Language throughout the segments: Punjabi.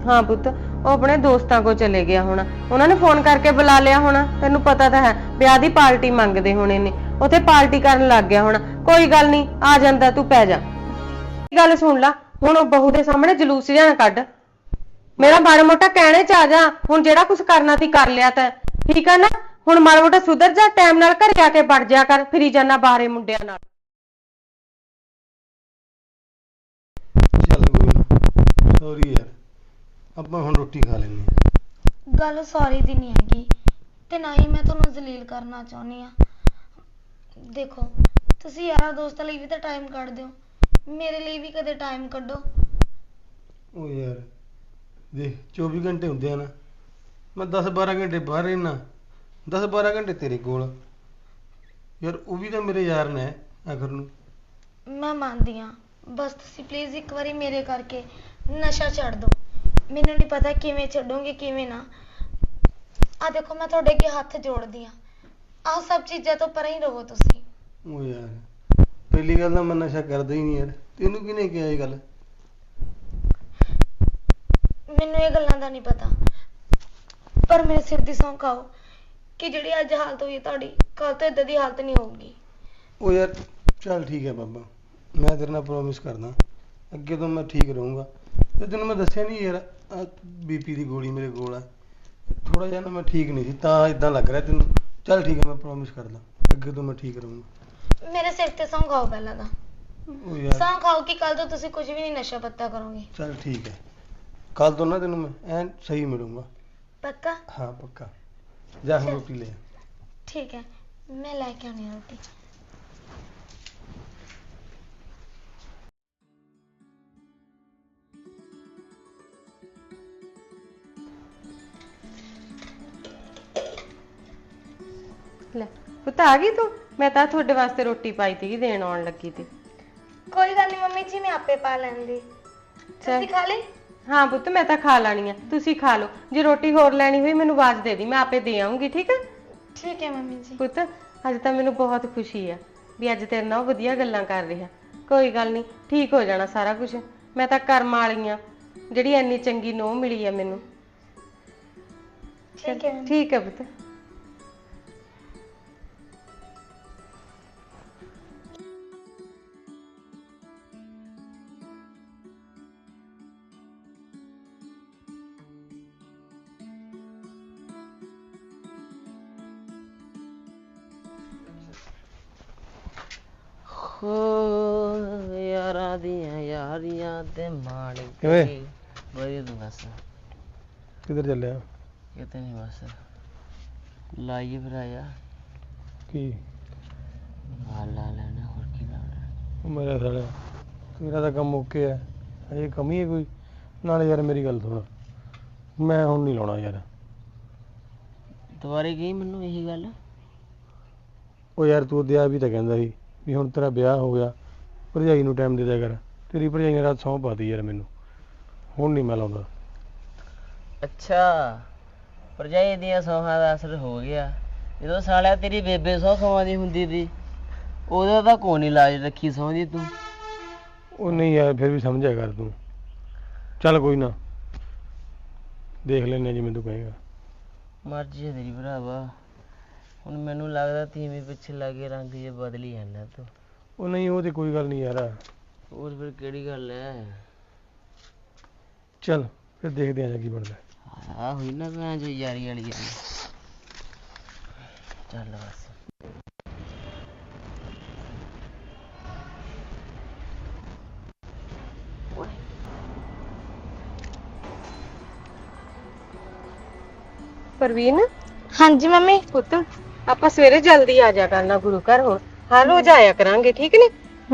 हाँ पुत वो अपने दोस्तों को चले गया होना, उन्होंने फोन करके बुला लिया होना, तेनू पता तो है ब्याह दी पार्टी मंगदे होने ने, उथे पार्टी करन लग गया होना। कोई गल नहीं, आ जांदा, तू पै जा। गल सुन ला, हुण बहू दे सामने जलूस जिहा ना कढ, मेरा माड़ा मोटा कहने च आ जा। हुण जेड़ा कुछ करना ती कर लिया तैं, ठीक है ना? हुण माड़ा मोटा सुधर जा, टाइम नाल घरे आके वड़ जा कर, फिरी जाना बाहरे मुंडियां नाल। ਚੱਲ ਕੋਈ ਨਾ, ਸੌਰੀ ਯਾਰ, ਆਪਾਂ ਹੁਣ ਰੋਟੀ ਖਾ ਲੈਂਦੇ ਹਾਂ। ਗੱਲ ਸੌਰੀ ਦੀ ਨਹੀਂ ਹੈਗੀ ਤੇ ਨਾ ਹੀ ਮੈਂ ਤੁਹਾਨੂੰ ਜ਼ਲੀਲ ਕਰਨਾ ਚਾਹੁੰਦੀ ਆ। ਦੇਖੋ ਤੁਸੀਂ ਯਾਰਾਂ ਦੋਸਤਾਂ ਲਈ ਵੀ ਤਾਂ ਟਾਈਮ ਕੱਢਦੇ ਹੋ, ਮੇਰੇ ਲਈ ਵੀ ਕਦੇ ਟਾਈਮ ਕੱਢੋ। ਉਹ ਯਾਰ ਦੇਖ 24 ਘੰਟੇ ਹੁੰਦੇ ਆ ਨਾ, ਮੈਂ 10-12 ਘੰਟੇ ਬਾਹਰ ਰਹਿਣਾ, 10-12 ਘੰਟੇ ਤੇਰੇ ਕੋਲ। ਯਾਰ ਉਹ ਵੀ ਤਾਂ ਮੇਰੇ ਯਾਰ ਨੇ ਆਖਰ ਨੂੰ। ਮੈਂ ਮੰਨਦੀ ਹਾਂ, ਬਸ ਤੁਸੀਂ ਪਲੀਜ਼ ਇੱਕ ਵਾਰੀ ਮੇਰੇ ਕਰਕੇ ਨਸ਼ਾ ਛੱਡ ਦਿਓ। ਮੈਨੂੰ ਨਹੀਂ ਪਤਾ ਕਿਵੇਂ ਛੱਡੋਗੇ ਕਿਵੇਂ ਨਾ। ਆ ਦੇਖੋ ਮੈਂ ਤੁਹਾਡੇ ਅੱਗੇ ਹੱਥ ਜੋੜਦੀ ਹਾਂ, ਆਹ ਸਭ ਚੀਜ਼ਾਂ ਤੋਂ ਪਰੇ ਹੀ ਰਹੋ ਤੁਸੀਂ। ਉਹ ਯਾਰ ਪਹਿਲੀ ਗੱਲ ਤਾਂ ਮੈਂ ਨਸ਼ਾ ਕਰਦਾ ਹੀ ਨਹੀਂ ਯਾਰ, ਤੈਨੂੰ ਕਿਹਨੇ ਕਿਹਾ ਇਹ ਗੱਲ? ਮੈਨੂੰ ਇਹ ਗੱਲਾਂ ਦਾ ਨਹੀਂ ਪਤਾ, ਪਰ ਮੇਰੇ ਸਿਰ ਦੀ ਸਹੁੰ ਖਾਓ ਕਿ ਜਿਹੜੀ ਅੱਜ ਹਾਲਤ ਹੋਈ ਹੈ ਤੁਹਾਡੀ, ਕੱਲ ਤੋਂ ਇਦਾਂ ਦੀ ਹਾਲਤ ਨਹੀਂ ਹੋਊਗੀ। ਉਹ ਯਾਰ ਚੱਲ ਠੀਕ ਹੈ ਬਾਬਾ, ਮੈਂ ਤੇਰੇ ਨਾਲ ਪ੍ਰੋਮਿਸ ਕਰਦਾ ਅੱਗੇ ਤੋਂ ਮੈਂ ਠੀਕ ਰਹੂੰਗਾ। ਤੇ ਤੈਨੂੰ ਮੈਂ ਦੱਸਿਆ ਨਹੀਂ ਯਾਰ, ਬੀਪੀ ਦੀ ਗੋਲੀ ਮੇਰੇ ਕੋਲ ਹੈ, ਥੋੜਾ ਜਿਹਾ ਨਾ ਮੈਂ ਠੀਕ ਨਹੀਂ ਸੀ ਤਾਂ ਇਦਾਂ ਲੱਗ ਰਿਹਾ ਤੈਨੂੰ। ਚੱਲ ਠੀਕ ਹੈ, ਮੈਂ ਪ੍ਰੋਮਿਸ ਕਰਦਾ ਅੱਗੇ ਤੋਂ ਮੈਂ ਠੀਕ ਰਹੂੰਗਾ। ਮੇਰੇ ਸਿਰ ਤੇ ਸਹੁੰ ਖਾਓ ਪਹਿਲਾਂ ਤਾਂ, ਉਹ ਯਾਰ ਸਹੁੰ ਖਾਓ ਕਿ ਕੱਲ ਤੋਂ ਤੁਸੀਂ ਕੁਝ ਵੀ ਨਹੀਂ ਨਸ਼ਾ ਪੱਤਾ ਕਰੋਗੇ। ਚੱਲ ਠੀਕ ਹੈ, ਕੱਲ ਤੋਂ ਨਾ ਤੈਨੂੰ ਮੈਂ ਐਨ ਸਹੀ ਮਿਲੂੰਗਾ। ਪੱਕਾ? ਹਾਂ ਪੱਕਾ। ਜਾ ਹੁਣ ਚੱਲ। ਰੋਟੀ ਲੈ ਆ। ਠੀਕ ਹੈ, ਮੈਂ ਲੈ ਕੇ ਆਉਣੀ ਆ ਰੋਟੀ। ਲੈ ਪੁੱਤ ਆ ਗਈ ਤੂੰ? मैं तो थोड़े वास्ते रोटी पाई थी, देन आउण लगी थी। कोई गल नहीं मम्मी जी, मैं आपे पा लैंदी। तुसी खा ले? हाँ पुत्त मैं तो खा लानी है, तुसी खा लो। जे रोटी होर लैनी हुई मैनू आवाज दे दी, मैं आपे दे आऊंगी। ठीक है? ठीक है मम्मी जी। पुत्त अज तो मैनू बहुत खुशी है भी अज तेरे नाल वधिया गल्लां कर रहा। कोई गल नहीं, ठीक हो जाना सारा कुछ। मैं तो कर्म वाली हाँ जिहड़ी इन्नी चंगी नूंह मिली है मैनू। ठीक है पुत्त। यारा दियां यारियां ते माण किवें? वही तू बस किधर चलिया? किते नहीं बस लाइए फिर आया की ला लेना और की लाना। मेरा साला तेरा तो काम ओके है, अजे कमी है कोई? नाले यार मेरी गल सुन, मैं हुण नहीं लाउणा यार। दुबारे गई मैनू यही गल। ਉਹ ਯਾਰ ਤੂੰ ਦਿਆ ਵੀ ਤਾਂ ਕਹਿੰਦਾ ਸੀ ਵੀ ਹੁਣ ਤੇਰਾ ਵਿਆਹ ਹੋ ਗਿਆ, ਭਰਜਾਈ ਨੂੰ ਟਾਈਮ ਦੇ ਦਿਆ ਕਰ। ਤੇਰੀ ਭਰਜਾਈ ਨੇ ਰਾਤ ਸਹੁੰ ਪਾਤੀ ਯਾਰ ਮੈਨੂੰ, ਹੁਣ ਨਹੀਂ ਮੈਂ ਲਾਉਂਦਾ। अच्छा भरजाई दियां सौहां दा असर हो गया। ਜਦੋਂ ਸਾਲਿਆ ਤੇਰੀ ਬੇਬੇ ਸਹੁੰ ਖਵਾਉਂਦੀ ਹੁੰਦੀ ਸੀ ਉਹਦਾ ਤਾਂ ਕੋਈ ਨਹੀਂ ਲਾਜ ਰੱਖੀ ਸਹੁੰ ਦੀ ਤੂੰ। ਉਹ ਨਹੀਂ ਯਾਰ ਫਿਰ ਵੀ ਸਮਝਿਆ ਕਰ ਤੂੰ। ਚੱਲ ਕੋਈ ਨਾ, ਦੇਖ ਲੈਂਦੇ ਜਿਵੇਂ ਤੂੰ ਕਹੇਗਾ। ਮਰਜ਼ੀ ਹੈ ਤੇਰੀ ਭਰਾਵਾ, ਹੁਣ ਮੈਨੂੰ ਲੱਗਦਾ ਤੀਵੀਂ ਪਿੱਛੇ ਲੱਗੇ ਰੰਗ ਜੇ ਬਦਲੀ ਜਾਂਦਾ ਤੂੰ। ਉਹ ਨਹੀਂ, ਉਹ ਤੇ ਕੋਈ ਗੱਲ ਨਹੀਂ ਯਾਰ। ਹੋਰ ਫਿਰ ਕਿਹੜੀ ਗੱਲ ਹੈ? ਚੱਲ ਫਿਰ ਦੇਖਦੇ ਆਂ ਕੀ ਬਣਦਾ। ਆ ਹੋਈ ਨਾ ਭੈਣ ਜੋ ਯਾਰੀ ਵਾਲੀ ਗੱਲ। ਚੱਲ ਬਸ। परवीन हाँ जी मम्मी। पुत्त ਆਪਾਂ ਸਵੇਰੇ ਜਲਦੀ ਆ ਜਾ ਕਰਨਾ ਗੁਰੂ ਘਰ, ਹੁਣ ਹਰ ਰੋਜ਼ ਆਇਆ ਕਰਾਂਗੇ। ਠੀਕ ਨੇ?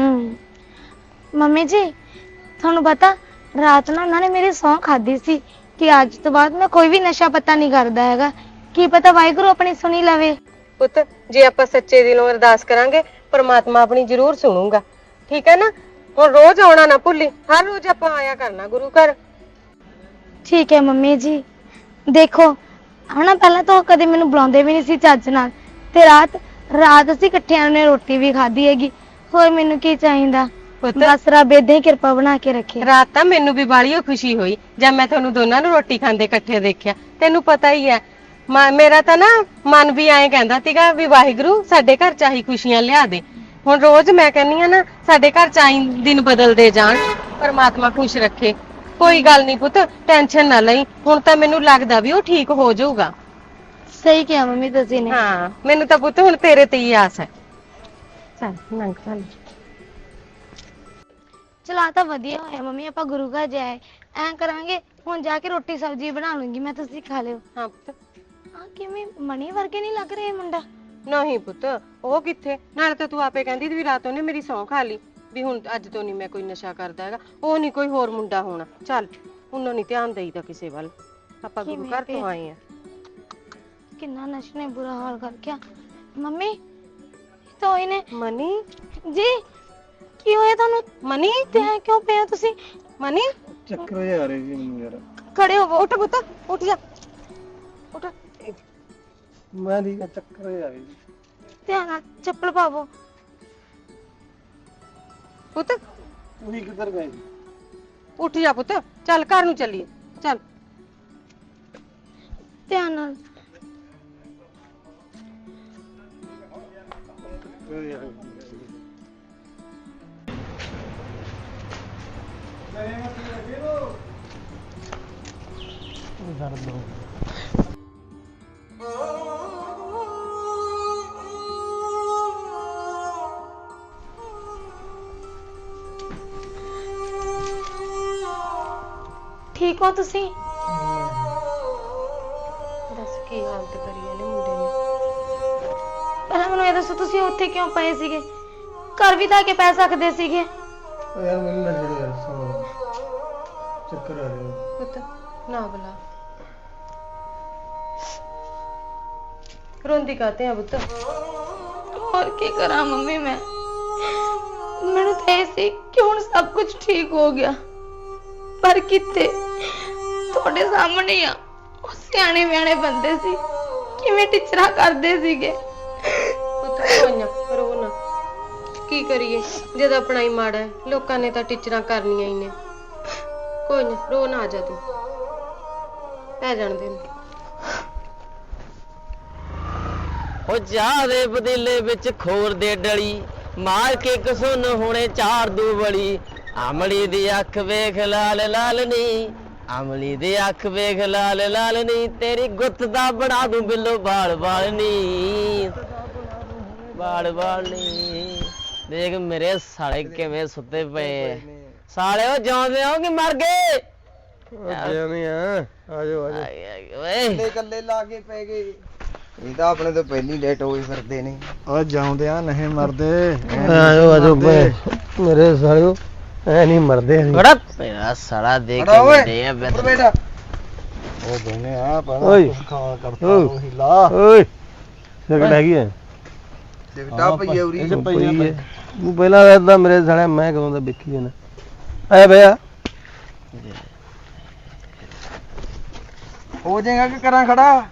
ਮੰਮੀ ਜੀ ਤੁਹਾਨੂੰ ਪਤਾ ਰਾਤ ਨੂੰ ਉਹਨਾਂ ਨੇ ਮੇਰੀ ਸਹੁੰ ਖਾਦੀ ਸੀ ਕਿ ਅੱਜ ਤੋਂ ਬਾਅਦ ਮੈਂ ਕੋਈ ਵੀ ਨਸ਼ਾ ਪੱਤਾ ਨਹੀਂ ਕਰਦਾ ਹੈਗਾ। ਕੀ ਪਤਾ ਵਾਹਿਗੁਰੂ ਆਪਣੀ ਸੁਣੀ ਲਵੇ। ਪੁੱਤ ਜੇ ਆਪਾਂ ਸੱਚੇ ਦਿਲੋਂ ਅਰਦਾਸ ਕਰਾਂਗੇ ਪਰਮਾਤਮਾ ਆਪਣੀ ਜ਼ਰੂਰ ਸੁਣੂਗਾ। ਠੀਕ ਹੈ ਨਾ? ਹੁਣ ਰੋਜ਼ ਆਉਣਾ ਨਾ ਭੁੱਲੀ, ਹਰ ਰੋਜ਼ ਆਪਾਂ ਆਇਆ ਕਰਨਾ ਗੁਰੂ ਘਰ। ਠੀਕ ਹੈ ਮੰਮੀ ਜੀ। ਦੇਖੋ ਹਨਾ ਪਹਿਲਾਂ ਤਾਂ ਉਹ ਕਦੇ ਮੈਨੂੰ ਬੁਲਾਉਂਦੇ ਵੀ ਨਹੀਂ ਸੀ ਚੱਜ ਨਾਲ, ਤੇ ਰਾਤ ਅਸੀਂ ਇਕੱਠਿਆਂ ਨੇ ਰੋਟੀ ਵੀ ਖਾਧੀ ਹੈਗੀ। ਹੋਰ ਮੈਨੂੰ ਕੀ ਚਾਹੀਦਾ? ਪੁੱਤ ਬਸ ਰੱਬ ਏਦਾਂ ਹੀ ਕਿਰਪਾ ਬਣਾ ਕੇ ਰੱਖੇ। ਰਾਤ ਤਾਂ ਮੈਨੂੰ ਵੀ ਬਾਲੀ ਖੁਸ਼ੀ ਹੋਈ ਜਦ ਮੈਂ ਤੁਹਾਨੂੰ ਦੋਨਾਂ ਨੂੰ ਰੋਟੀ ਖਾਂਦੇ ਇਕੱਠੇ ਦੇਖਿਆ। ਤੈਨੂੰ ਪਤਾ ਹੀ ਹੈ ਮੇਰਾ ਤਾਂ ਨਾ ਮਨ ਵੀ ਐਂ ਕਹਿੰਦਾ ਸੀਗਾ ਵੀ ਵਾਹਿਗੁਰੂ ਸਾਡੇ ਘਰ ਚ ਆਹੀ ਖੁਸ਼ੀਆਂ ਲਿਆ ਦੇ। ਹੁਣ ਰੋਜ਼ ਮੈਂ ਕਹਿੰਨੀ ਆ ਨਾ ਸਾਡੇ ਘਰ ਚ ਆਈ ਦਿਨ ਬਦਲਦੇ ਜਾਣ, ਪਰਮਾਤਮਾ ਖੁਸ਼ ਰੱਖੇ। ਕੋਈ ਗੱਲ ਨਹੀਂ ਪੁੱਤ, ਟੈਨਸ਼ਨ ਨਾ ਲਈ। ਹੁਣ ਤਾਂ ਮੈਨੂੰ ਲੱਗਦਾ ਵੀ ਉਹ ਠੀਕ ਹੋ ਜਾਊਗਾ। ਸਹੀ ਕਿਹਾ ਮੰਮੀ ਤੁਸੀਂ ਨੇ। ਹਾਂ ਮੈਨੂੰ ਤਾਂ ਪੁੱਤ ਹੁਣ ਤੇਰੇ ਤੇ ਹੀ ਆਸ ਹੈ। ਚੱਲ ਨੰਗ ਚੱਲ। ਚਲਾ ਤਾਂ ਵਧੀਆ ਹੋਇਆ ਮੰਮੀ, ਆਪਾਂ ਗੁਰੂ ਘਰ ਜਾਏ। ਐਂ ਕਰਾਂਗੇ ਹੁਣ ਜਾ ਕੇ ਰੋਟੀ ਸਬਜ਼ੀ ਬਣਾ ਲੂੰਗੀ ਮੈਂ, ਤੁਸੀਂ ਖਾ ਲਿਓ। ਹਾਂ ਪੁੱਤ। ਆ ਕਿਵੇਂ ਮਣੀ ਵਰਗੇ ਨਹੀਂ ਲੱਗ ਰਿਹਾ ਇਹ ਮੁੰਡਾ? ਨਹੀਂ ਪੁੱਤ, ਉਹ ਕਿੱਥੇ। ਨਾਲੇ ਤਾਂ ਤੂੰ ਆਪੇ ਕਹਿੰਦੀ ਸੀ ਵੀ ਰਾਤ ਉਹਨੇ ਮੇਰੀ ਸਹੁੰ ਖਾ ਲਈ ਵੀ ਹੁਣ ਅੱਜ ਤੋਂ ਨਹੀਂ ਮੈਂ ਕੋਈ ਨਸ਼ਾ ਕਰਦਾ ਹੈਗਾ। ਉਹ ਨਹੀਂ ਕੋਈ ਹੋਰ ਮੁੰਡਾ ਹੋਣਾ। ਚੱਲ ਉਹਨਾਂ ਨਹੀਂ ਧਿਆਨ ਦੇਈਦਾ ਕਿਸੇ ਵੱਲ, ਆਪਾਂ ਗੁਰੂ ਘਰ ਤੋਂ ਆਏ ਆ। ਕਿੰਨਾ ਨਸ਼ੇ ਨੇ ਬੁਰਾ ਹਾਲ ਕਰ ਗਿਆ। ਮੰਮੀ ਤਾਂ ਇਹਨੇ ਮਨੀ ਜੀ ਕੀ ਹੋਇਆ ਤੁਹਾਨੂੰ? ਮਨੀ ਤੇ ਐਂ ਕਿਉਂ ਪਿਆ ਤੁਸੀਂ? ਮਨੀ ਚੱਕਰ ਜਿਹਾ ਆ ਰਹੇ ਜੀ ਮੈਨੂੰ ਯਾਰ। ਖੜੇ ਹੋਵੋ। ਉੱਠ ਪੁੱਤ, ਉੱਠ ਜਾ, ਉੱਠ। ਮੈਂ ਠੀਕ ਆ, ਚੱਕਰ ਜਿਹਾ ਆ ਰਹੇ ਜੀ। ਧਿਆਨ ਨਾਲ ਚੱਪਲ ਪਾਵੋ। ਪੁੱਤ ਤੁਸੀਂ ਕਿੱਧਰ ਗਏ ਜੀ? ਉੱਠ ਜਾ ਪੁੱਤ, ਚੱਲ ਘਰ ਨੂੰ ਚੱਲੀਏ। ਚੱਲ ਧਿਆਨ ਨਾਲ। ਠੀਕ ਹੋ ਤੁਸੀਂ? ਦੱਸ ਕੀ ਹਾਲਤ ਕਰੀ ਇਹਨੇ ਮੁੰਡੇ ਨੇ। ਪਹਿਲਾਂ ਮੈਨੂੰ ਇਹ ਦੱਸੋ ਤੁਸੀਂ ਉੱਥੇ ਕਿਉਂ ਪਏ ਸੀਗੇ? ਘਰ ਵੀ ਤਾਂ ਆ ਕੇ ਪੈ ਸਕਦੇ ਸੀਗੇ। ਉਹ ਯਾਰ ਮੈਨੂੰ ਨਾ ਛੇੜੋ ਯਾਰ, ਸੌ ਚੱਕਰ ਆ ਰਹੇ ਨੇ। ਪੁੱਤ ਨਾ ਬੁਲਾ, ਰੋਂਦੀ ਕਾਤੇ ਆ ਪੁੱਤ? ਹੋਰ ਕੀ ਕਰਾਂ ਮੰਮੀ ਮੈਂ? ਮੈਨੂੰ ਤਾਂ ਇਹ ਸੀ ਕਿ ਹੁਣ ਸਭ ਕੁਝ ਠੀਕ ਹੋ ਗਿਆ, ਪਰ ਕਿੱਥੇ। ਤੁਹਾਡੇ ਸਾਹਮਣੇ ਆ ਉਹ ਸਿਆਣੇ ਬਿਆਣੇ ਬੰਦੇ ਸੀ, ਕਿਵੇਂ ਟਿਚਰਾ ਕਰਦੇ ਸੀਗੇ। ਪੁੱਤ ਕੋਈ ਨਾ ਰੋ ਨਾ, ਕੀ ਕਰੀਏ ਜਦ ਆਪਣਾ ਹੀ ਮਾੜਾ ਹੈ। ਲੋਕਾਂ ਨੇ ਤਾਂ ਟੀਚਰਾਂ ਕਰਨੀਆਂ ਹੀ ਨੇ। ਕੋਈ ਨਾ ਰੋ ਨਾ, ਆ ਜਾ ਤੂੰ, ਪੈ ਜਾਣ ਦੇ। ਉਹ ਚਾਹ ਦੇ ਪਤੀਲੇ ਵਿੱਚ ਖੋਰ ਦੇ ਡਲੀ, ਮਾਰ ਕੇ ਕਸੁੰਨ ਹੁਣੇ ਚਾਰ ਦੂ ਬੜੀ। ਅਮਲੀ ਦੀ ਅੱਖ ਵੇਖ ਲਾਲ ਲਾਲ ਨੀ, ਅਮਲੀ ਦੀ ਅੱਖ ਵੇਖ ਲਾਲ ਲਾਲ ਨੀ, ਤੇਰੀ ਗੁੱਤ ਦਾ ਬਣਾ ਦੂੰ ਬਿੱਲੋ ਬਾਲ ਬਾਲ ਨੀ, ਬਾਲ ਬਾਲ ਨੀ। ਦੇਖ ਮੇਰੇ ਸਾਲੇ ਕਿਵੇਂ ਸੁੱਤੇ ਪਏ। ਸਾਲੇ ਉਹ ਜਿਉਂਦੇ ਹੋ ਕਿ ਮਰ ਗਏ? ਜਿਵੇਂ ਆ ਜਾਓ ਓਏ ਕੱਲੇ ਲਾ ਕੇ ਪੈ ਗਏ। ਇਹ ਤਾਂ ਆਪਣੇ ਤੋਂ ਪਹਿਲੀ ਲੇਟ ਹੋਈ ਫਿਰਦੇ ਨੇ। ਆ ਜਾਉਂਦੇ ਆ ਨਹੀਂ ਮਰਦੇ। ਆਜੋ ਮੇਰੇ ਸਾਲਿਓ, ਐ ਨਹੀਂ ਮਰਦੇ ਅਸੀਂ। ਬੜਾ ਤੇਰਾ ਸਾਲਾ ਦੇਖ ਕੇ ਵੱਡੇ ਆ ਉੱਠ ਬੇਟਾ। ਉਹ ਦੋਨੇ ਆ ਪਰ ਖਾਣ ਕਰਤਾ ਉਹ ਹਿਲਾ। ਓਏ ਸਿਗਰਟ ਹੈਗੀ ਐ? ਦਿਵਟਾ ਪਈ ਉਰੀ। ਇਹ ਪਈ ਐ। ਤੂੰ ਪਹਿਲਾਂ ਵੇਖਦਾ ਮੇਰੇ ਸਾਲਿਆ, ਮੈਂ ਕਦੋਂ ਦਾ ਵੇਖੀ ਜਾਣਾ। ਆਇਆ ਬਿਆ ਹੋ ਜਾਏਗਾ ਕਿ ਕਰਾਂ ਖੜਾ?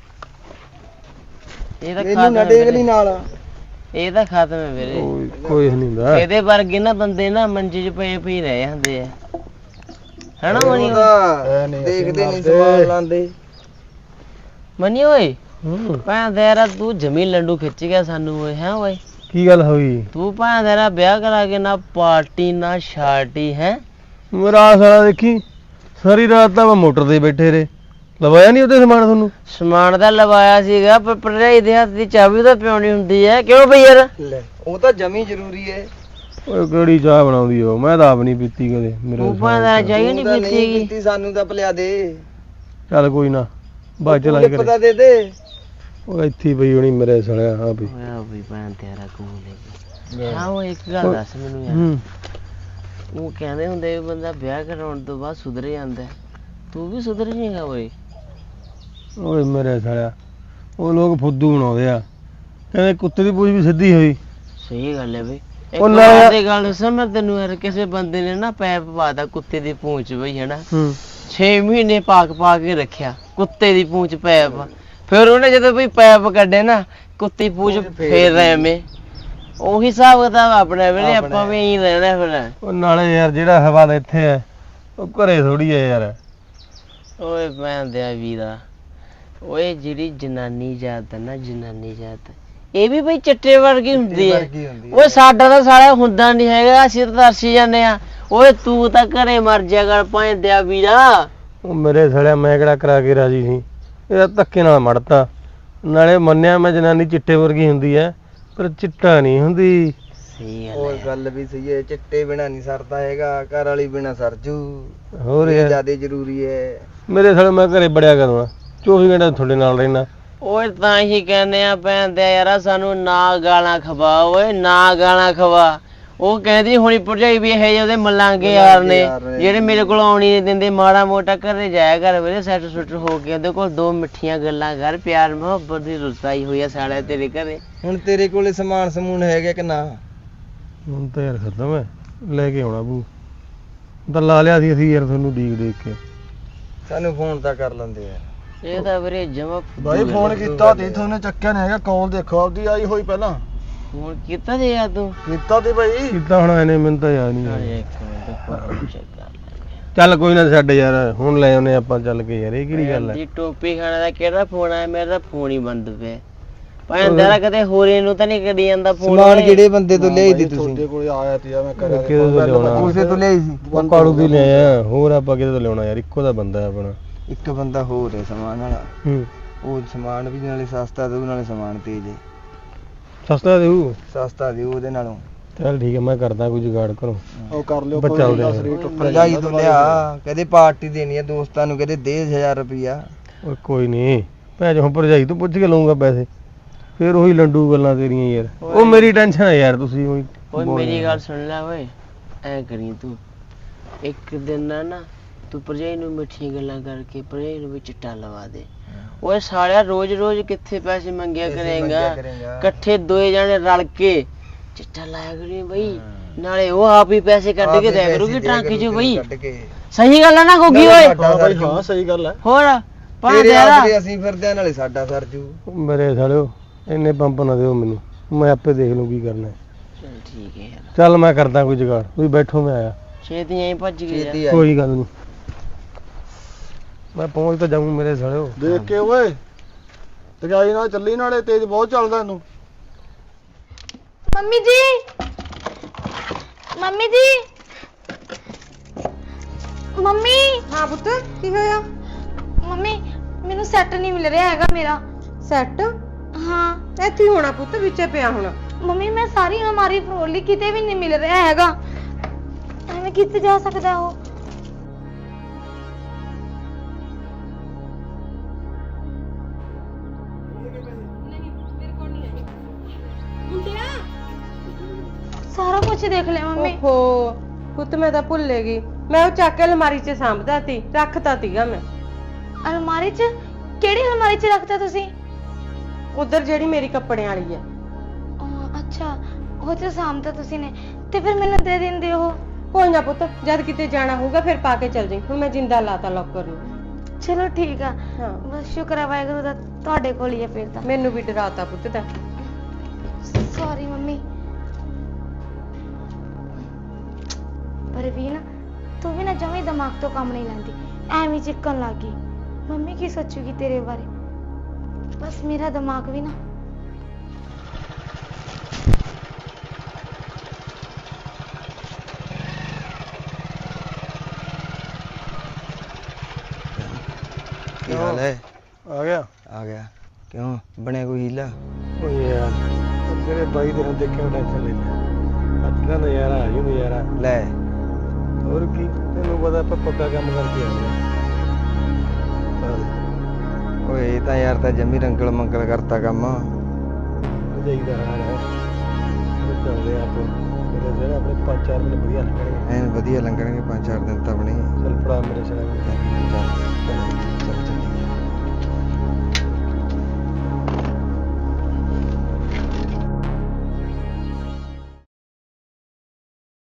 ਇਹ ਤਾਂ ਇਹਨੂੰ ਨਾ ਡੇਗ ਲਈ ਨਾਲ। ਇਹ ਤਾਂ ਖਤਮ ਹੈ ਵੀਰੇ। ਕੋਈ ਨਹੀਂ ਹੁੰਦਾ। ਇਹਦੇ ਵਰਗੇ ਨਾ ਬੰਦੇ ਨਾ ਮੰਜੇ 'ਚ ਪਏ ਪਈ ਰਹੇ ਹੁੰਦੇ ਆ, ਹੈਨਾ ਮਨੀ? ਦੇਖਦੇ ਨਹੀਂ ਸਵਾਲ ਲਾਂਦੇ। ਮਨੀ ਓਏ ਭਾਂ ਤੇਰਾ ਤੂੰ ਜਮੀ ਲੰਡੂ ਖਿੱਚ ਗਿਆ ਸਾਨੂੰ ਓਏ। ਹੈ ਓਏ ਕੀ ਗੱਲ ਹੋਈ? ਤੂੰ ਭਾਂ ਤੇਰਾ ਵਿਆਹ ਕਰਾ ਕੇ ਨਾ ਪਾਰਟੀ ਨਾ ਸ਼ਾਰਟੀ ਹੈ। ਮੇਰਾ ਸਾਲਾ ਦੇਖੀ ਸਾਰੀ ਰਾਤ ਤਾਂ ਮੈਂ ਮੋਟਰ ਤੇ ਬੈਠੇ ਰਹੇ। ਲਵਾਇਆ ਨਹੀਂ ਉਹਦੇ ਸਮਾਨ ਤੁਹਾਨੂੰ? ਸਮਾਨ ਤਾਂ ਲਵਾਇਆ ਸੀਗਾ, ਪਰ ਭਰਜਾਈ ਦੇ ਹੱਥ ਦੀ ਚਾਬੀ ਤਾਂ ਪਿਉਣੀ ਹੁੰਦੀ ਹੈ। ਕਿਉਂ ਬਈ ਯਾਰ? ਲੈ ਉਹ ਤਾਂ ਜਮੀ ਜ਼ਰੂਰੀ ਹੈ। ਓਏ ਕਿਹੜੀ ਚਾਹ ਬਣਾਉਂਦੀ ਉਹ, ਮੈਂ ਤਾਂ ਆਪ ਨਹੀਂ ਪੀਤੀ ਕਦੇ। ਮੇਰੇ ਤੂੰ ਭਾਂ ਤੇਰਾ ਚਾਹੀਏ ਨਹੀਂ ਨਹੀਂ ਪੀਤੀ ਪੀਤੀ, ਸਾਨੂੰ ਤਾਂ ਪਿਲਾ ਦੇ। ਚੱਲ ਕੋਈ ਨਾ, ਬਾਅਦ ਚ ਲਾਈ ਲਿਪ ਕਰੇ। ਤਾਂ ਦੇ ਦੇ। ਉਹ ਇੱਥੇ ਹੀ ਪਈ ਹੋਣੀ ਮੇਰੇ ਸਾਲਿਆ। ਹਾਂ ਵੀ ਓਏ ਬਈ ਭਾਂ ਤੇਰਾ ਕੋਲ ਹਾਂ ਉਹ ਇੱਕ ਗੱਲ ਦੱਸ ਮੈਨੂੰ ਯਾਰ। ਉਹ ਕਹਿੰਦੇ ਹੁੰਦੇ ਵੀ ਬੰਦਾ ਵਿਆਹ ਕਰਾਉਣ ਤੋਂ ਬਾਅਦ ਸੁਧਰ ਜਾਂਦਾ, ਤੂੰ ਵੀ ਸੁਧਰ ਜਾਏਗਾ ਓਏ? ਓਏ ਮੇਰੇ ਸਾਲਿਆ, ਉਹ ਲੋਕ ਫੁੱਦੂ ਬਣਾਉਂਦੇ ਆ, ਕਹਿੰਦੇ ਕੁੱਤੇ ਦੀ ਪੂਛ ਵੀ ਸਿੱਧੀ ਹੋਈ। ਸਹੀ ਗੱਲ ਹੈ ਬਈ। ਇੱਕ ਉਹ ਨਾ ਵਾਰ ਯਾਰ- ਦੀ ਗੱਲ ਦੱਸਾਂ ਮੈਂ ਤੈਨੂੰ ਯਾਰ, ਕਿਸੇ ਬੰਦੇ ਨੇ ਨਾ ਪੈਪ ਪਾਤਾ ਕੁੱਤੇ ਦੀ ਪੂੰਛ ਬਈ, ਹੈਨਾ? 6 ਮਹੀਨੇ ਪਾ ਕੇ ਰੱਖਿਆ ਕੁੱਤੇ ਦੀ ਪੂੰਛ ਪੈਪ। ਫਿਰ ਉਹਨੇ ਜਦੋਂ ਬਈ ਪੈਪ ਕੱਢੇ ਨਾ, ਕੁੱਤੀ ਪੂੰਛ ਫੇਰ ਐਵੇਂ ਉਹੀ ਹਿਸਾਬ ਕਿਤਾਬ ਆਪਣੇ ਵੀਰੇ, ਆਪਣਾ ਆਪਾਂ ਵੀ ਇਹੀ ਰਹਿਣਾ ਫਿਰ। ਉਹ ਨਾਲੇ ਯਾਰ ਜਿਹੜਾ ਹਵਾ ਦਾ ਇੱਥੇ ਹੈ ਉਹ ਘਰੇ ਥੋੜੀ ਹੈ ਯਾਰ। ਓਏ ਭੈਣ ਦਿਆ ਵੀਰਾ, ਓਏ ਜਿਹੜੀ ਜਨਾਨੀ ਜਾਤ ਹੈ ਨਾ, ਜਨਾਨੀ ਜਾਤ, ਇਹ ਵੀ ਬਈ ਚਿੱਟੇ ਵਰਗੀ ਹੁੰਦੀ ਹੈ। ਓਏ ਸਾਡਾ ਤਾਂ ਸਾਲਾ ਹੁੰਦਾ ਨਹੀਂ ਹੈਗਾ, ਅਸੀਂ ਤਾਂ ਤਰਸੀ ਜਾਂਦੇ ਆ। ਓਏ ਤੂੰ ਤਾਂ ਘਰੇ ਮਰ ਜਾ ਕਰ ਭੈਣ ਦਿਆ ਵੀਰਾ। ਉਹ ਮੇਰੇ ਸੜਿਆ ਮੈਂ ਕਿਹੜਾ ਕਰਾ ਕੇ ਰਾਜੀ ਸੀ, ਇਹਦਾ ਧੱਕੇ ਨਾਲ ਮੜਤਾ। ਨਾਲੇ ਮੰਨਿਆ ਮੈਂ ਜਨਾਨੀ ਚਿੱਟੇ ਵਰਗੀ ਹੁੰਦੀ ਹੈ, ਪਰ ਚਿੱਟਾ ਨਹੀਂ ਹੁੰਦੀ। ਸਹੀ ਗੱਲ ਉਹ ਹੈ। ਗੱਲ ਵੀ ਸਹੀ ਹੈ, ਚਿੱਟੇ ਬਿਨਾ ਨਹੀਂ ਸਰਦਾ ਹੈਗਾ, ਘਰ ਵਾਲੀ ਬਿਨਾ ਸਰਜੂ। ਹੋਰ ਇਹ ਯਾਰ ਜ਼ਿਆਦਾ ਜ਼ਰੂਰੀ ਹੈ। ਮੇਰੇ ਸੜੇ ਮੈਂ ਘਰੇ ਬੜਿਆ ਕਰੂੰਗਾ, 24 ਘੰਟੇ ਤੁਹਾਡੇ ਨਾਲ ਰਹਿਣਾ। ਓਏ ਤਾਂ ਹੀ ਕਹਿੰਦੇ ਆ ਭੈਣ ਦਿਆ ਯਾਰਾ, ਸਾਨੂੰ ਨਾ ਗਾਲਾਂ ਖਵਾ, ਓਏ ਨਾ ਗਾਲਾਂ ਖਵਾ। ਉਹ ਕਹਿੰਦੀ ਹੁਣੀ ਭਰਜਾਈ ਵੀ ਇਹ ਜਿਹੇ ਉਹਦੇ ਮਲਾਂਗੇ ਯਾਰ ਨੇ, ਜਿਹੜੇ ਮੇਰੇ ਕੋਲ ਆਉਣੀ ਨਹੀਂ ਦਿੰਦੇ। ਮਾੜਾ ਮੋਟਾ ਘਰੇ ਜਾਇਆ ਕਰ ਵੀਰੇ, ਸੈੱਟ ਸੁੱਟ ਹੋ ਕੇ ਉਹਦੇ ਕੋਲ 2 ਮਿੱਠੀਆਂ ਗੱਲਾਂ ਕਰ, ਪਿਆਰ ਮੁਹੱਬਤ ਦੀ ਰੁਸਾਈ ਹੋਈ ਆ ਸਾਲਿਆ ਤੇਰੇ ਘਰੇ। ਹੁਣ ਤੇਰੇ ਕੋਲੇ ਸਮਾਨ ਸਮੂਨ ਹੈਗਾ ਕਿ ਨਾ? ਹੁਣ ਤਾਂ ਯਾਰ ਖਤਮ ਹੈ, ਲੈ ਕੇ ਆਉਣਾ ਬੂ ਤਾਂ ਲਾ ਲਿਆ ਸੀ ਅਸੀਂ ਯਾਰ ਤੁਹਾਨੂੰ ਦੇਖ ਕੇ। ਸਾਨੂੰ ਫੋਨ ਤਾਂ ਕਰ ਲੈਂਦੇ ਯਾਰ। ਇਹ ਤਾਂ ਵੀਰੇ ਜਮਾ ਬਾਈ ਫੋਨ ਕੀਤਾ ਤੇ ਤੁਹਾਨੂੰ ਚੱਕਿਆ ਨਹੀਂ ਹੈਗਾ, ਕਾਲ ਦੇਖੋ ਆਪਦੀ ਆਈ ਹੋਈ ਪਹਿਲਾਂ ਫੋਨ ਕੀਤਾ ਜੇ ਯਾਰ ਤੂੰ? ਕੀਤਾ ਤੇ ਬਾਈ ਕੀਤਾ ਹੁਣ ਇਹਨੇ, ਮੈਨੂੰ ਤਾਂ ਯਾਦ ਨਹੀਂ ਅਰੇ ਆਇਆ। ਇੱਕ ਮਿੰਟ ਫੋਨ ਚੈੱਕ ਕਰ ਲੈ। ਚੱਲ ਕੋਈ ਨਾ ਛੱਡ ਯਾਰ, ਹੁਣ ਲੈ ਆਉਨੇ ਆਪਾਂ ਚੱਲ ਕੇ ਯਾਰ, ਇਹ ਕਿਹੜੀ ਗੱਲ ਹੈ। ਦੀ ਟੋਪੀ ਖਾਣੇ ਦਾ ਕਿਹੜਾ ਫੋਨ ਆਇਆ? ਮੇਰਾ ਤਾਂ ਫੋਨ ਹੀ ਬੰਦ ਪਿਆ। ਭਾਵੇਂ ਤੇਰਾ ਕਦੇ ਹੋਰੇ ਨੂੰ ਤਾਂ ਨਹੀਂ ਕਰੀ ਜਾਂਦਾ ਫੋਨ। ਸਮਾਨ ਕਿਹੜੇ ਬੰਦੇ ਤੋਂ ਲਿਆਈ ਦੀ ਤੁਸੀਂ? ਕਿਹਦੇ ਤੋਂ ਲਿਆਉਣਾ? ਉਸੇ ਤੋਂ ਲਿਆਈ ਸੀ। ਉਹ ਕਾਲੂ ਦੀ ਲਿਆਇਆ, ਹੋਰ ਆਪਾਂ ਕਿਹਦੇ ਤੋਂ ਲਿਆਉਣਾ ਯਾਰ, ਇੱਕੋ ਦਾ ਬੰਦਾ ਹੈ ਆਪਣਾ। ਇੱਕ ਬੰਦਾ ਹੋਰ ਹੈ ਸਮਾਨ ਵਾਲਾ, ਹੂੰ, ਉਹ ਸਮਾਨ ਵੀ ਨਾਲੇ ਸਸਤਾ ਦੇਊ ਨਾਲੇ ਸਮਾਨ ਤੇਜ਼ ਹੈ। ਸਸਤਾ ਦੇਊ? ਸਸਤਾ ਦੇਊ ਉਹਦੇ ਨਾਲੋਂ। ਚੱਲ ਠੀਕ ਹੈ, ਮੈਂ ਕਰਦਾ ਕੋਈ ਜੁਗਾੜ ਕਰੋ। ਉਹ ਕਰ ਲਿਓ, ਬੱਚਾ ਉਹਦੇ ਭਰਜਾਈ ਤੋਂ ਲਿਆ, ਕਹਦੇ ਪਾਰਟੀ ਦੇਣੀ ਹੈ ਦੋਸਤਾਂ ਨੂੰ, ਕਹਦੇ ਦੇ 1000 ਰੁਪਿਆ। ਓਏ ਕੋਈ ਨਹੀਂ, ਭੈਣ ਹੁਣ ਭਰਜਾਈ ਤੋਂ ਪੁੱਛ ਕੇ ਲਊਂਗਾ ਪੈਸੇ, ਫਿਰ ਉਹੀ ਲੰਡੂ ਗੱਲਾਂ ਤੇਰੀਆਂ ਯਾਰ। ਉਹ ਮੇਰੀ ਟੈਨਸ਼ਨ ਹੈ ਯਾਰ, ਤੁਸੀਂ ਉਹੀ ਓਏ ਮੇਰੀ ਗੱਲ ਸੁਣ ਲੈ ਓਏ, ਐ ਕਰੀ ਤੂੰ ਇੱਕ ਦਿਨ ਨਾ ਤੂੰ ਭਰਜਾਈ ਨੂੰ ਮਿੱਠੀਆਂ ਗੱਲਾਂ ਕਰਕੇ ਭਰਜਾਈ ਨੂੰ ਵੀ ਚਿੱਟਾ ਲਵਾ ਦੇ। ਓਏ ਸਾਲਿਆ ਰੋਜ਼ ਰੋਜ਼ ਕਿੱਥੇ ਪੈਸੇ ਮੰਗਿਆ ਕਰੇਗਾ, ਇਕੱਠੇ ਦੋਏ ਜਾਣੇ ਰਲ ਕੇ ਚਿੱਟਾ ਲਾਇਆ ਕਰੀ ਬਈ, ਨਾਲੇ ਉਹ ਆਪ ਹੀ ਪੈਸੇ ਕੱਢ ਕੇ ਦਿਆ ਕਰੂਗੀ ਟਾਂਕੇ ਚੋਂ ਬਈ। ਸਹੀ ਗੱਲ ਆ ਨਾ ਗੋਗੀ ਓਏ? ਹਾਂ ਸਹੀ ਗੱਲ ਹੈ। ਹੋਰ ਤੇਰੇ ਆਪਦੇ ਅਸੀਂ ਫਿਰਦੇ ਆ, ਨਾਲੇ ਸਾਡਾ ਸਰਜੂ। ਮੇਰੇ ਸਾਲਿਓ ਇੰਨੇ ਪੰਪ ਨਾ ਦਿਓ ਮੈਨੂੰ, ਮੈਂ ਆਪੇ ਦੇਖ ਲਊਂ ਕੀ ਕਰਨਾ। ਚੱਲ ਠੀਕ ਹੈ ਯਾਰ, ਚੱਲ ਮੈਂ ਕਰਦਾ ਕੋਈ ਜੁਗਾੜ, ਤੁਸੀਂ ਬੈਠੋ ਮੈਂ ਆਇਆ। ਛੇਤੀ ਐਂ ਭੱਜ ਗਿਆ। ਕੋਈ ਗੱਲ ਨਹੀਂ, ਮੈਂ ਪਹੁੰਚ ਤਾਂ ਜਾਊਂ ਮੇਰੇ ਸਾਲਿਓ। ਦੇਖ ਕੇ ਓਏ, ਤਗਾਈ ਨਾਲ ਚੱਲੀ, ਨਾਲੇ ਤੇਜ਼ ਬਹੁਤ ਚੱਲਦਾ ਇਹਨੂੰ। ਮੰਮੀ ਜੀ, ਮੰਮੀ ਜੀ, ਮੰਮੀ। ਹਾਂ ਪੁੱਤ, ਕੀ ਹੋਇਆ? ਮੰਮੀ ਮੈਨੂੰ ਸੈੱਟ ਨਹੀਂ ਮਿਲ ਰਿਹਾ ਹੈਗਾ ਮੇਰਾ। ਸੈੱਟ ਹਾਂ ਇੱਥੇ ਹੀ ਹੋਣਾ ਪੁੱਤ, ਵਿੱਚੇ ਪਿਆ ਹੋਣਾ। ਮੰਮੀ ਮੈਂ ਸਾਰੀ ਅਲਮਾਰੀ ਫਰੋਲ ਲਈ, ਕਿਤੇ ਵੀ ਨਹੀਂ ਮਿਲ ਰਿਹਾ ਹੈਗਾ। ਐਵੇਂ ਕਿੱਥੇ ਜਾ ਸਕਦਾ ਉਹ? ਸਾਰਾ ਕੁਝ ਦੇਖ ਲਿਆ ਮੰਮੀ। ਓਹੋ ਪੁੱਤ, ਮੈਂ ਤਾਂ ਭੁੱਲ ਗਈ, ਮੈਂ ਉਹ ਚੱਕ ਕੇ ਅਲਮਾਰੀ 'ਚ ਸਾਂਭਦਾ ਸੀ, ਰੱਖਤਾ ਸੀਗਾ ਮੈਂ। ਅਲਮਾਰੀ 'ਚ? ਕਿਹੜੀ ਅਲਮਾਰੀ 'ਚ ਰੱਖਤਾ ਤੁਸੀਂ? ਉਧਰ ਜਿਹੜੀ ਮੇਰੀ ਕੱਪੜਿਆਂ ਵਾਲੀ ਆ। ਅੱਛਾ, ਉਹ 'ਚ ਸਾਂਭਤਾ ਤੁਸੀਂ ਨੇ, ਤੇ ਫਿਰ ਮੈਨੂੰ ਦੇ ਦਿੰਦੇ ਉਹ। ਕੋਈ ਨਾ ਪੁੱਤ, ਜਦ ਕਿਤੇ ਜਾਣਾ ਹੋਊਗਾ ਫਿਰ ਪਾ ਕੇ ਚੱਲ ਜਾਈਂ। ਹੁਣ ਮੈਂ ਜਿੰਦਾ ਲਾਤਾ ਲੋਕਰ ਨੂੰ। ਚਲੋ ਠੀਕ ਆ, ਹਾਂ, ਬਸ ਸ਼ੁਕਰ ਹੈ ਵਾਹਿਗੁਰੂ ਦਾ, ਤੁਹਾਡੇ ਕੋਲ ਹੀ ਹੈ ਫਿਰ ਤਾਂ। ਮੈਨੂੰ ਵੀ ਡਰਾਤਾ ਪੁੱਤ ਦਾ। Sorry mummy. ਪਰ ਵੀ ਨਾ, ਤੂੰ ਵੀ ਨਾ ਜਮੇ ਦਿਮਾਗ ਤੋਂ ਕੰਮ ਨਹੀਂ ਲੈਂਦੀ, ਐਵੇਂ ਚਿੱਕਣ ਲੱਗ ਗਈ। ਮੰਮੀ ਕੀ ਸੋਚੂਗੀ ਤੇਰੇ ਬਾਰੇ? ਬਸ ਮੇਰਾ ਦਿਮਾਗ ਵੀ ਨਾ। ਕੀ ਹਾਲ ਹੈ? ਆ ਗਿਆ? ਆ ਗਿਆ। ਕਿਉਂ ਬਣਿਆ ਕੋਈ ਹੀਲਾ? ਓਏ ਯਾਰ ਤੇਰੇ ਬਾਈ ਦੇ ਨਾਲ ਦੇਖਿਆ ਟੈਨਸ਼ਨ ਲੈ ਲਿਆ, ਅੱਜ ਦਾ ਨਜ਼ਾਰਾ ਆ ਜੂ ਨਜ਼ਾਰਾ। ਲੈ ਹੋਰ ਕੀ, ਤੈਨੂੰ ਪਤਾ ਆਪਾਂ ਪੱਕਾ ਕੰਮ ਕਰਕੇ ਆਉਂਦੇ ਆ। ਓਏ ਇਹ ਤਾਂ ਯਾਰ ਤਾਂ ਜੰਮੀ ਰੰਗਲ ਮੰਗਲ ਕਰਤਾ ਕੰਮ। ਭਰਜਾਈ ਦਾ ਹਾਲ ਹੈ, ਉਹ ਚੱਲਦੇ ਆ ਆਪਾਂ ਮੇਰੇ ਜਿਹੜੇ ਆਪਣੇ 5-4 ਦਿਨ ਵਧੀਆ ਲੱਗਣਗੇ। ਐਨ ਵਧੀਆ ਲੰਘਣਗੇ 5-4 ਦਿਨ ਤਾਂ ਆਪਣੇ। ਚੱਲ ਫੜਾ ਮੇਰੇ ਸਿਰ ਚੱਲ